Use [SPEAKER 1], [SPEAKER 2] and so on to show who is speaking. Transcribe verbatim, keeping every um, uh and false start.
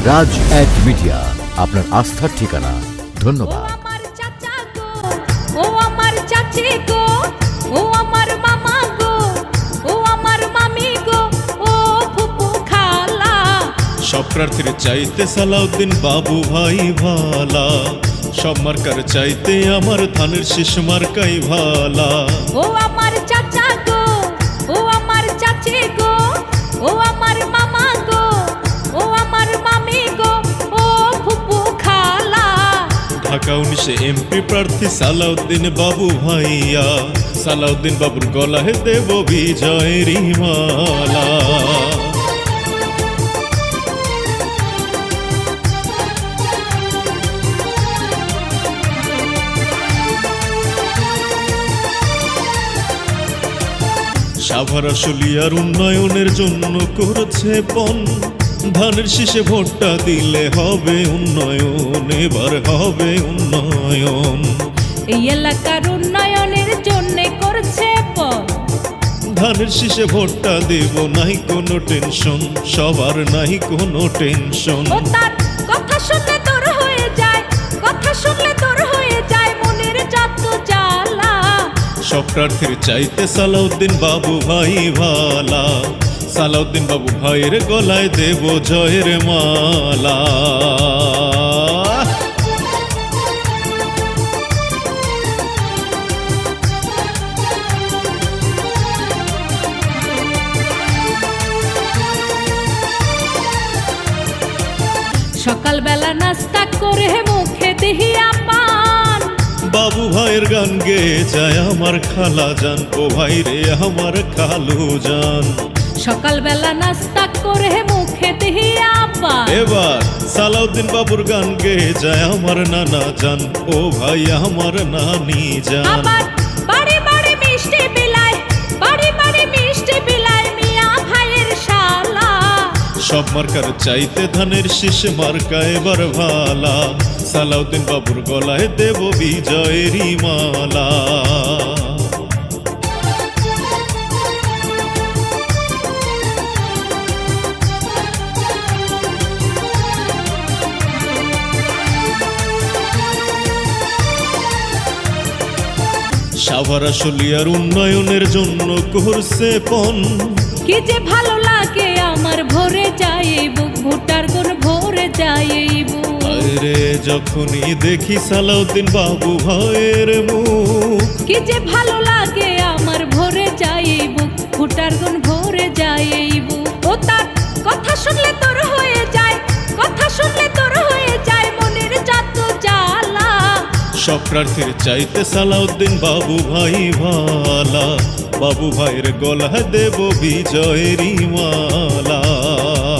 [SPEAKER 1] রাজ এক মিডিয়া, আপনার আস্থার ঠিকানা। ধন্যবাদ।
[SPEAKER 2] ও আমার চাচা গো, ও আমার চাচি গো, ও আমার মামা গো, ও আমার মামি গো, ও ফুপু খালা।
[SPEAKER 3] সব প্রার্থীর চাইতে সালাউদ্দিন বাবু ভাই ভালা, সব মার্কার চাইতে আমার ধানের শীষ মার্কাই ভালা।
[SPEAKER 2] ও আমার চাচা গো, ও আমার চাচি গো, ও আমার মামা গো, ও আমার মামি গো, ও ফুপু খালা।
[SPEAKER 3] ঢাকা উনিশে এমপি প্রার্থী সালাউদ্দিন বাবু ভাইয়া, সালাউদ্দিন বাবুর গলায় দেব বিজয়ের মালা। সাভার আশুলিয়ার উন্নয়নের জন্য করছে পণ, ধানের শীষে ভোটটা দিলে হবে উন্নয়ন, এবার হবে উন্নয়ন।
[SPEAKER 2] এই এলাকার উন্নয়নের জন্য করছে পণ,
[SPEAKER 3] ধানের শীষে ভোটটা দেব, নাই কোনো টেনশন, সবার নাই কোনো টেনশন।
[SPEAKER 2] ও তার কথা শুনলে তোর হয়ে যায়, কথা শুনলে তোর হয়ে যায় মনের যত জ্বালা।
[SPEAKER 3] সব প্রার্থীর চাইতে সালাউদ্দিন বাবু ভাই ভালা, সালাউদ্দিন বাবু ভাইয়ের গলায় দেব জয়ের মালা।
[SPEAKER 2] সকালবেলা নাস্তা করে মুখে দিহিয়া পান,
[SPEAKER 3] বাবু ভাইয়ের গান গেয়ে যায় আমার খালা জান, ও ভাই রে আমার খালু জান।
[SPEAKER 2] সকালবেলা নাস্তা করে মুখে দিহিয়া পান।
[SPEAKER 3] এবার সালাউদ্দিন বাবুর গান গেয়ে যায় আমার নানা জান, ও ভাই আমার নানি জান।
[SPEAKER 2] আবার বাড়ি বাড়ি মিষ্টি বিলায়, বাড়ি বাড়ি মিষ্টি বিলায় মিয়া ভাইয়ের শালা।
[SPEAKER 3] সব মার্কার চাইতে ধানের শীষ মার্কা এবার ভালা, সালাউদ্দিন বাবুর গলায় দেব বিজয়ের মালা। সাভার আশুলিয়ার উন্নয়নের জন্য করছে পণ,
[SPEAKER 2] কি যে ভালো লাগে আমার ভরে যায় বুক, ভুটার গুণ ভরে যায় বুক।
[SPEAKER 3] আরে যখনই দেখি সালাউদ্দিন বাবু ভাইয়ের মুখ,
[SPEAKER 2] কি যে ভালো লাগে আমার ভরে যায় বুক, ভুটার গুণ ভরে যায় বুক। ও তার কথা শুনলে তোর হয়ে যায়, কথা শুনলে তোর হয়ে যায় মনের যত জ্বালা।
[SPEAKER 3] সব প্রার্থীর চাইতে সালাউদ্দিন বাবু ভাই ভালা, বাবু ভাইয়ের গলায় দেব বিজয়ের মালা।